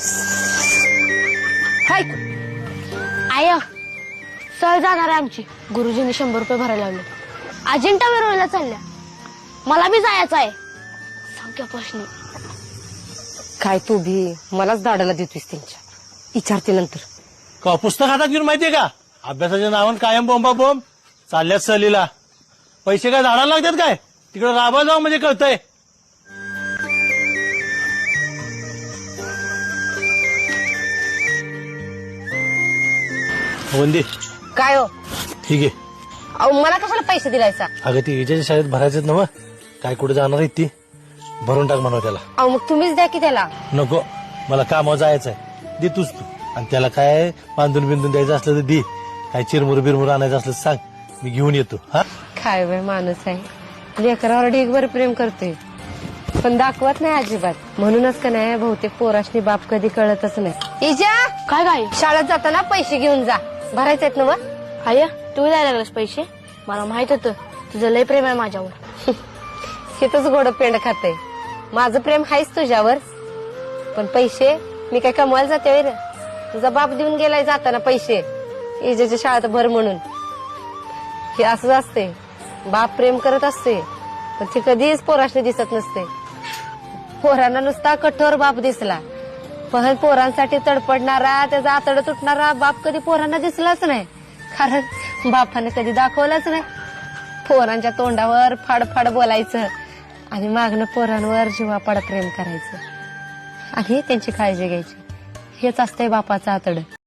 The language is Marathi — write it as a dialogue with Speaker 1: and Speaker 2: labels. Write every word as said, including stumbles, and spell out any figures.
Speaker 1: हाय आय सहल जाणार आहे आमची. गुरुजींनी शंभर रुपये भरायला लावले. अजिंठा वेरूळला चालल्या. मला बी जायचं आहे. सांग प्रश्न
Speaker 2: काय तू भी मलाच दाडाला देतोस त्यांच्या. विचारते नंतर.
Speaker 3: का पुस्तक हातात घेऊन माहितीये का अभ्यासाच्या नावान कायम बोंबा बोंब चालल्यात सहलीला. पैसे काय झाडाला लागतात काय तिकडे राबा जाऊ म्हणजे कळतंय. वंदी
Speaker 2: काय हो
Speaker 3: ठीक आहे.
Speaker 2: अहो मला कशाला पैसे दिलायचा.
Speaker 3: अगं ती विजयच्या शाळेत भरायचेच नव काय कुठे जाणार आहे ती भरून टाक म्हणा त्याला.
Speaker 2: अहो मग तुम्हीच द्या की त्याला.
Speaker 3: नको मला कामावर जायचं आहे दे तूच तू. आणि त्याला काय बांधून बिंदून द्यायचं असलं तर दे. काय चिरमुर बिरमुर आणायचं असलं तर सांग मी घेऊन येतो. हा
Speaker 2: काय बाय माणूस आहे. लेकरावर ढीगभर प्रेम करतोय पण दाखवत नाही अजिबात. म्हणूनच का नाही बहुतेक पोराशनी बाप कधी कळतच नाही. इजा
Speaker 1: काय काय
Speaker 2: शाळेत जाताना पैसे घेऊन जा. भरायचे आहेत ना व.
Speaker 1: आय तू द्यायला लागलास पैसे. मला माहित होतं तुझं लय प्रेम आहे माझ्यावर.
Speaker 2: हिथच गोड पेंड खाते. माझं प्रेम आहेच तुझ्यावर पण पैसे मी काय कमवायला जाते रे. तुझा बाप देऊन गेलाय जाताना पैसे इजेच्या शाळेत भर म्हणून. हे असंच असते. बाप प्रेम करत असते पण ती कधीच पोराशनी दिसत नसते. पोरांना नुसता कठोर बाप दिसला पण पोरांसाठी तडपडणारा त्याचा आतड तुटणारा बाप कधी पोरांना दिसलाच नाही. कारण बापाने कधी दाखवलाच नाही. पोरांच्या तोंडावर फाडफाड बोलायचं आणि मागणं पोरांवर जीवापाड प्रेम करायचं आणि त्यांची काळजी घ्यायची. हेच असतंय बापाचं आतड.